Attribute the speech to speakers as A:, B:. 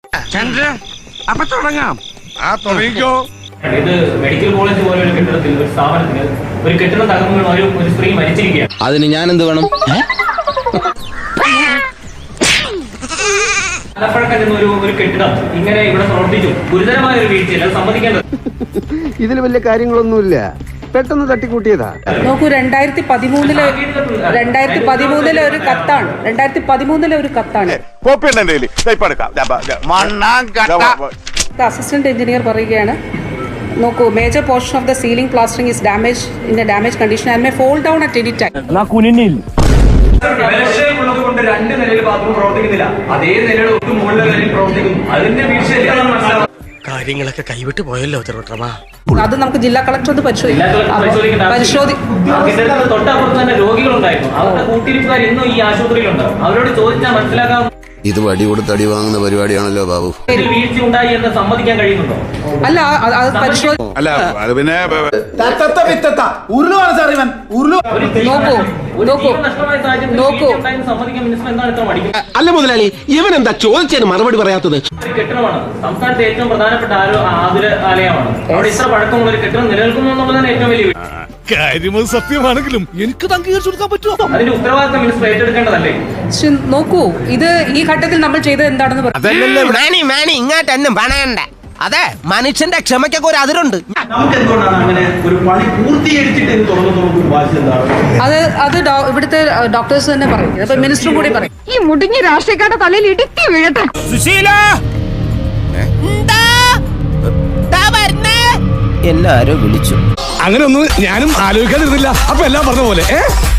A: അപ്പൊ തുടങ്ങാം.
B: തുടങ്ങിക്കോ.
C: ഇത് മെഡിക്കൽ കോളേജ് പോലെ ഒരു കെട്ടിടത്തിൽ ഒരു സ്ഥാപനത്തിന് ഒരു കെട്ടിടം തകർന്നു ഒരു സ്ത്രീ മരിച്ചിരിക്കുകയാണ്.
D: അതിന് ഞാൻ എന്ത് വേണം?
C: ആലപ്പുഴക്കൽ നിന്ന് ഒരു കെട്ടിടം ഇങ്ങനെ ഇവിടെ പ്രവർത്തിച്ചു. ഗുരുതരമായ ഒരു വീഴ്ചയില്ല, അത് സമ്മതിക്കേണ്ടത്.
E: ഇതിൽ വലിയ കാര്യങ്ങളൊന്നുമില്ല, പെട്ടെന്ന് തട്ടിക്കൂട്ടിയതാ.
F: നോക്കൂ, 2013 ഒരു കത്താണ്. 2013 ഒരു കത്താണ്. അസിസ്റ്റന്റ് എഞ്ചിനീയർ പറയുകയാണ്, നോക്കൂ, major portion of the ceiling plastering is damage in a damage condition and may fall down at any time.
C: ബലക്ഷയമുള്ളത് കൊണ്ട് 2 നിലയിൽ ബാത്റൂം പ്രവർത്തിക്കുന്നില്ല, അതേ നിലയുടെ ഒരു മുകളിലെ നിലയിൽ പ്രവർത്തിക്കുന്നു. അതിന്റെ വീഴ്ചയില്ല.
A: കാര്യങ്ങളൊക്കെ കൈവിട്ട് പോയല്ലോ തിരുവട്ടമാ.
F: അത് നമുക്ക് ജില്ലാ കളക്ടർ ഒന്ന്
C: തൊട്ടപ്പുറത്ത് തന്നെ രോഗികളുണ്ടായിരുന്നു. അവരുടെ കൂട്ടിരിപ്പുകാർ ഇന്നും ഈ ആശുപത്രിയിലുണ്ട്. അവരോട് ചോദിച്ചാൽ മനസ്സിലാക്കാം.
D: ഇത് വടി കൊടുത്ത് അടി വാങ്ങുന്ന പരിപാടിയാണല്ലോ ബാബു.
C: വീഴ്ച ഉണ്ടായി എന്ന് സമ്മതിക്കാൻ കഴിയുന്നുണ്ടോ?
F: അല്ല, അത് പരിശോധന.
B: അല്ല, അത് പിന്നെ
A: അല്ല മുതലാളി, ഇവൻ എന്താ ചോദിച്ചതിന് മറുപടി പറയാത്തത്?
C: കെട്ടിടമാണ് സംസ്ഥാനത്തെ ഏറ്റവും പ്രധാനപ്പെട്ട ആലയമാണ്. അവിടെ ഇത്ര പഴക്കമുള്ള ഒരു കെട്ടിടം നിലനിൽക്കുന്നു എന്നുള്ളതാണ് ഏറ്റവും വലിയ
B: കാര്യം. സത്യമാണെങ്കിലും എനിക്ക് അംഗീകരിച്ചു കൊടുക്കാൻ പറ്റുമോ?
C: അതിന്റെ ഉത്തരവാദിത്തം മിനിസ്റ്റർ ഏറ്റെടുക്കേണ്ടതല്ലേ?
F: നോക്കൂ, ഇത് ഈ ഘട്ടത്തിൽ നമ്മൾ ചെയ്തത് എന്താണെന്ന്
A: ഇങ്ങോട്ടൊന്നും പറയണ്ട. അതെ, മനുഷ്യന്റെ ക്ഷമയ്ക്കൊക്കെ ഒരു അതിരുണ്ട്.
C: നമുക്ക് എന്തുകൊണ്ടാണ് അങ്ങനെ ഒരു പണി പൂർത്തീകരിച്ചിട്ട്
F: അത് ഇവിടുത്തെ ഡോക്ടേഴ്സ് തന്നെ പറയും. അപ്പൊ മിനിസ്റ്ററും കൂടി പറയും.
G: ഈ മുടിഞ്ഞ രാഷ്ട്രീയക്കാരുടെ തലയിൽ ഇടുക്കി വീഴട്ടെ.
D: എല്ലാരും വിളിച്ചു.
B: അങ്ങനെ ഒന്നും ഞാനും ആലോചിക്കാതിരുന്നില്ല. അപ്പൊ എല്ലാം പറഞ്ഞ പോലെ